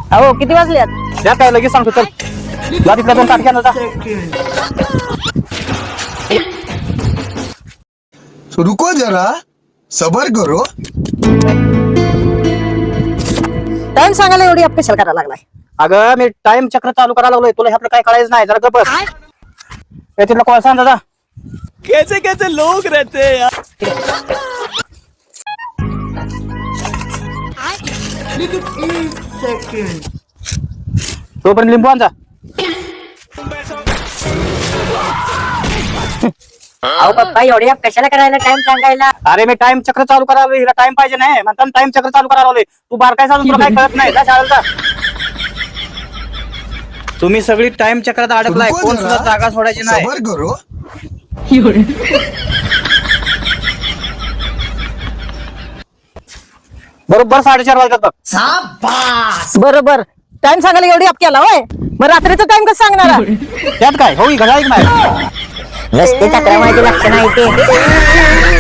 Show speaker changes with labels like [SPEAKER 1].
[SPEAKER 1] अहो किती वाजल्यात?
[SPEAKER 2] त्या काय लगेच सांगतो. चल जा तिथल्या 2 काठी आणा जा.
[SPEAKER 3] रुको जरा सबर करो.
[SPEAKER 1] टाइम सांगायला एवढी अप कशाला करायला लागलाय?
[SPEAKER 2] अगं मी टाइम चक्र चालू करायला लागलोय. तुला ह्यातलं काय कळायचं नाही. जरा गप्प बस. ए तिथला कोळसा आणा जा.
[SPEAKER 4] कैसे कैसे लोग रहते हैं यार.
[SPEAKER 2] तोपर्यंत लिंबू आण जा.
[SPEAKER 1] अहो पप्पा एवढी अप कशाला करायला टाइम सांगायला?
[SPEAKER 2] अरे मी टाइम चक्र चालू करायला हिला टाइम पाहिजे नाही म्हणतात टाइम चक्र चालू करायला लावले. तू बारकाय सांगून तुला काय कळत नाही. जा शाळेला जा. तुम्ही सगळी टाइम चक्रात अडकलाय.
[SPEAKER 3] रुको
[SPEAKER 2] कोण
[SPEAKER 3] जरा,
[SPEAKER 2] सुद्धा जागा सोडायची नाही.
[SPEAKER 3] सबर करो.
[SPEAKER 2] बरोबर 4:30 वाजतात बघ.
[SPEAKER 1] बरोबर टाइम सांगायला एवढी अप केला होय? मग रात्रीचा टाइम कसं सांगणार?
[SPEAKER 2] त्यात काय होई घड्याळ नाही.
[SPEAKER 1] रस्ते चक्रा माहिती लक्ष नाही ते.